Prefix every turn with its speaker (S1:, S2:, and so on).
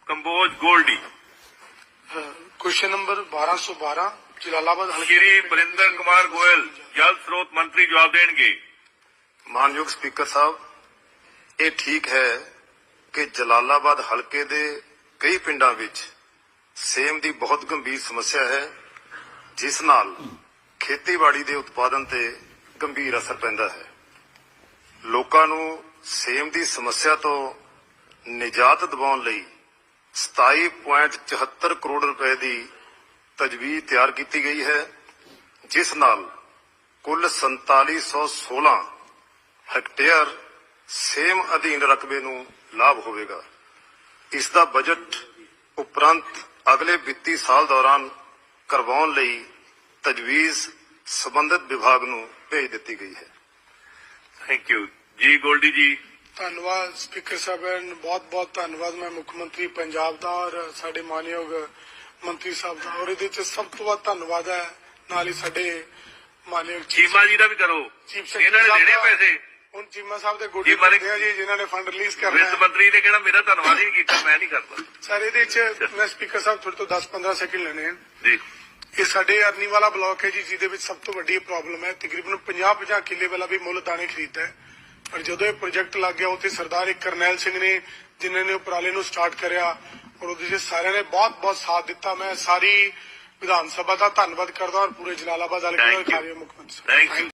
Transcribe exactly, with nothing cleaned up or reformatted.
S1: Kamboj Goldy.
S2: Question number बारह सौ बारह जलालाबाद
S1: श्री बरिंदर कुमार गोयल जल स्रोत मंत्री जवाब देंगे।
S3: ਮਾਨਯੋਗ ਸਪੀਕਰ ਸਾਹਿਬ, ਇਹ ਠੀਕ ਹੈ ਕਿ ਜਲਾਲਾਬਾਦ ਹਲਕੇ ਦੇ ਕਈ ਪਿੰਡਾਂ ਵਿੱਚ ਸੇਮ ਦੀ ਬਹੁਤ ਗੰਭੀਰ ਸਮੱਸਿਆ ਹੈ, ਜਿਸ ਨਾਲ ਖੇਤੀਬਾੜੀ ਦੇ ਉਤਪਾਦਨ ਤੇ ਗੰਭੀਰ ਅਸਰ ਪੈਂਦਾ ਹੈ। ਲੋਕਾਂ ਨੂੰ ਸੇਮ ਦੀ ਸਮੱਸਿਆ ਤੋਂ ਨਿਜਾਤ ਦਿਵਾਉਣ ਲਈ ਸਤਾਈ ਪੁਆਇੰਟ ਚੁਹੱਤਰ ਕਰੋੜ ਰੁਪਏ ਦੀ ਤਜਵੀਜ਼ ਤਿਆਰ ਕੀਤੀ ਗਈ ਹੈ, ਜਿਸ ਨਾਲ ਕੁੱਲ ਸੰਤਾਲੀ ਸੌ ਸੋਲਾਂ ਹੈਕਟੇਅਰ ਸੇਮ ਅਧੀਨ ਰਕਬੇ ਨੂੰ ਲਾਭ ਹੋਵੇਗਾ। ਇਸ ਦਾ ਬਜਟ ਉਪਰੰਤ ਅਗਲੇ ਵਿੱਤੀ ਸਾਲ ਦੌਰਾਨ ਕਰਵਾਉਣ ਲਈ ਤਜਵੀਜ਼ ਸੰਬੰਧਿਤ ਵਿਭਾਗ ਨੂੰ ਭੇਜ ਦਿੱਤੀ ਗਈ ਹੈ।
S1: Thank you ji. गोल्डी जी।
S2: ਧੰਨਵਾਦ ਸਪੀਕਰ ਸਾਹਿਬ, ਬਹੁਤ ਬਹੁਤ ਧੰਨਵਾਦ। ਮੈਂ ਮੁੱਖ ਮੰਤਰੀ ਪੰਜਾਬ ਦਾ ਔਰ ਸਾਡੇ ਮਾਨਯੋਗ ਮੰਤਰੀ ਸਾਹਿਬ ਦਾ, ਔਰ ਇਹਦੇ ਚ ਸਭ ਤੋਂ ਵੱਧ ਧੰਨਵਾਦ ਹੈ ਨਾਲ ਹੀ ਸਾਡੇ ਮਾਨਯੋਗ
S1: ਚੀਮਾ ਜੀ ਦਾ ਵੀ ਕਰੋ,
S2: ਚੀਫ
S1: ਇਹਨਾਂ ਨੇ ਦੇਣੇ ਪੈਸੇ।
S2: ਹੁਣ ਚੀਮਾ ਸਾਹਿਬ ਦੇ ਗੋਡੇ ਪੱਟੇ ਆ ਜੀ, ਜਿਨ੍ਹਾਂ ਨੇ ਫੰਡ ਰਿਲੀਜ਼ ਕਰਨਾ
S1: ਵਿੱਤ ਮੰਤਰੀ ਨੇ ਕਿਹੜਾ ਮੇਰਾ ਧੰਨਵਾਦ ਹੀ ਨਹੀਂ ਕੀਤਾ, ਮੈਂ ਨਹੀਂ ਕਰਦਾ
S2: ਸਰ। ਇਹਦੇ ਚ ਮੈਂ ਸਪੀਕਰ ਸਾਹਿਬ ਤੁਹਾਡੇ ਤੋਂ ਦਸ ਪੰਦਰਾਂ ਸੈਕਿੰਡ ਲੈਣੇ ਆ
S1: ਜੀ।
S2: ਇਹ ਸਾਡੇ ਅਰਨੀ ਵਾਲਾ ਬਲਾਕ ਹੈ ਜੀ, ਜਿਹਦੇ ਵਿੱਚ ਸਭ ਤੋਂ ਵੱਡੀ ਪ੍ਰੋਬਲਮ ਹੈ। ਤਕਰੀਬਨ ਪੰਜਾਹ ਪੰਜਾਹ ਕਿੱਲੇ ਵਾਲਾ ਵੀ ਮੁੱਲ ਦਾਣੇ ਖਰੀਦਦਾ ਹੈ, ਪਰ ਜਦੋਂ ਇਹ ਪ੍ਰੋਜੈਕਟ ਲੱਗ ਗਿਆ ਉੱਥੇ ਸਰਦਾਰ ਇੱਕ ਕਰਨੈਲ ਸਿੰਘ ਨੇ, ਜਿਨ੍ਹਾਂ ਨੇ ਉਪਰਾਲੇ ਨੂੰ ਸਟਾਰਟ ਕਰਿਆ, ਔਰ ਉਹਦੇ ਚ ਸਾਰਿਆਂ ਨੇ ਬਹੁਤ ਬਹੁਤ ਸਾਥ ਦਿੱਤਾ। ਮੈਂ ਸਾਰੀ ਵਿਧਾਨ ਸਭਾ ਦਾ ਧੰਨਵਾਦ ਕਰਦਾ ਔਰ ਪੂਰੇ ਜਲਾਲਾਬਾਦ ਹਲਕੇ ਦਾ ਮੁੱਖ ਮੰਤਰੀ।
S1: Thank you.